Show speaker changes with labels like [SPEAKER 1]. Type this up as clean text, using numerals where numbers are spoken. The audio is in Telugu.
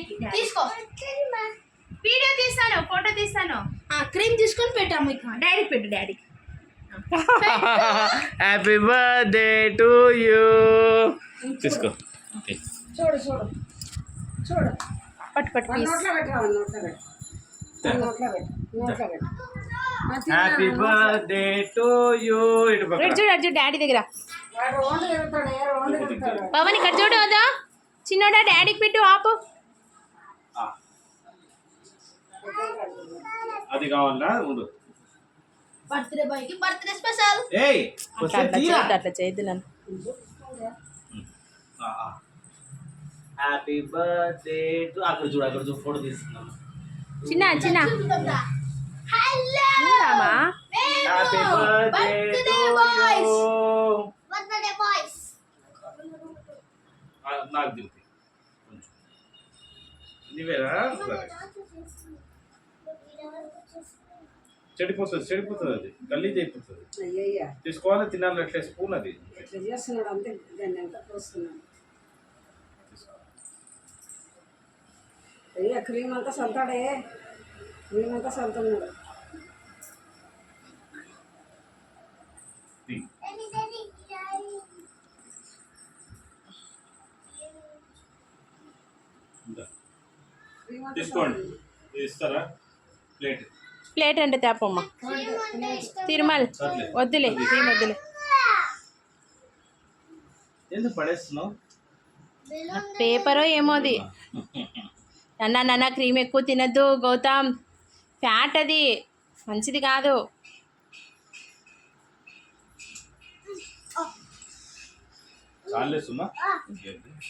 [SPEAKER 1] డాడీకి తీసుకో. వీడియో తీస్తాను, ఫోటో తీస్తాను. క్రీమ్ తీసుకొని పెట్టాము. ఇక డాడీకి పెట్టు. డాడీకి
[SPEAKER 2] హ్యాపీ బర్త్డే టు యూ. తీసుకో.
[SPEAKER 3] చూడు చూడు చూడు.
[SPEAKER 1] పట్టు పట్టు.
[SPEAKER 3] నోట్లో పెట్టావు, నోట్లో పెట్టు, నోట్లో పెట్టు, నోట్లో పెట్టు.
[SPEAKER 2] Happy birthday to you. ఇటు పక్క
[SPEAKER 1] చూడు చూడు డాడీ దగ్గర.
[SPEAKER 3] వాడు ఓన్లీ ఎగురుతాడు, ఓన్లీ ఎగురుతాడు.
[SPEAKER 1] పవన్ ఇక్కడ చూడు. వద్దా చిన్నోడా డాడీకి పెట్టు. ఆపు.
[SPEAKER 2] అది కావాలా ఉండు.
[SPEAKER 1] బర్త్డే బాయ్కి బర్త్డే స్పెషల్.
[SPEAKER 2] ఏయ్
[SPEAKER 1] అట్లా చేయొద్దు నన్ను.
[SPEAKER 2] Happy birthday to. అక్కడ చూడు ఫోటో తీసుకున్నాను.
[SPEAKER 1] చిన్న చిన్న hello Rama.
[SPEAKER 2] Happy birthday to you.
[SPEAKER 1] Birthday boys.
[SPEAKER 2] నాకు దింపి నీవేరా. చెడిపోతుంది అది గలీజ్ అయిపోతుంది.
[SPEAKER 3] అయ్యయ్యా
[SPEAKER 2] తీసుకోవాలి, తినాలి. అట్లే స్పూన్ అది
[SPEAKER 3] ఎట్లా చేస్తున్నాడు అంతే. దాన్ని ఎంత పోస్తున్నాడు. అయ్యా క్రీమ్ అంతా చల్తాడే, క్రీమ్ అంతా చల్తున్నాడు.
[SPEAKER 2] తీసుకోండి. ఇస్తారా ప్లేట్?
[SPEAKER 1] ప్లేట్ అంటే తేపమ్మ. తిరుమల్ వద్దులే, ఏం వద్దులే.
[SPEAKER 2] ఎందుకు పడేస్తున్నావు?
[SPEAKER 1] పేపరో ఏమోది. నాన్న క్రీమ్ ఎక్కువ తినద్దు గౌతమ్, ఫ్యాట్ అది మంచిది కాదు.
[SPEAKER 2] చాలేస్తున్నా.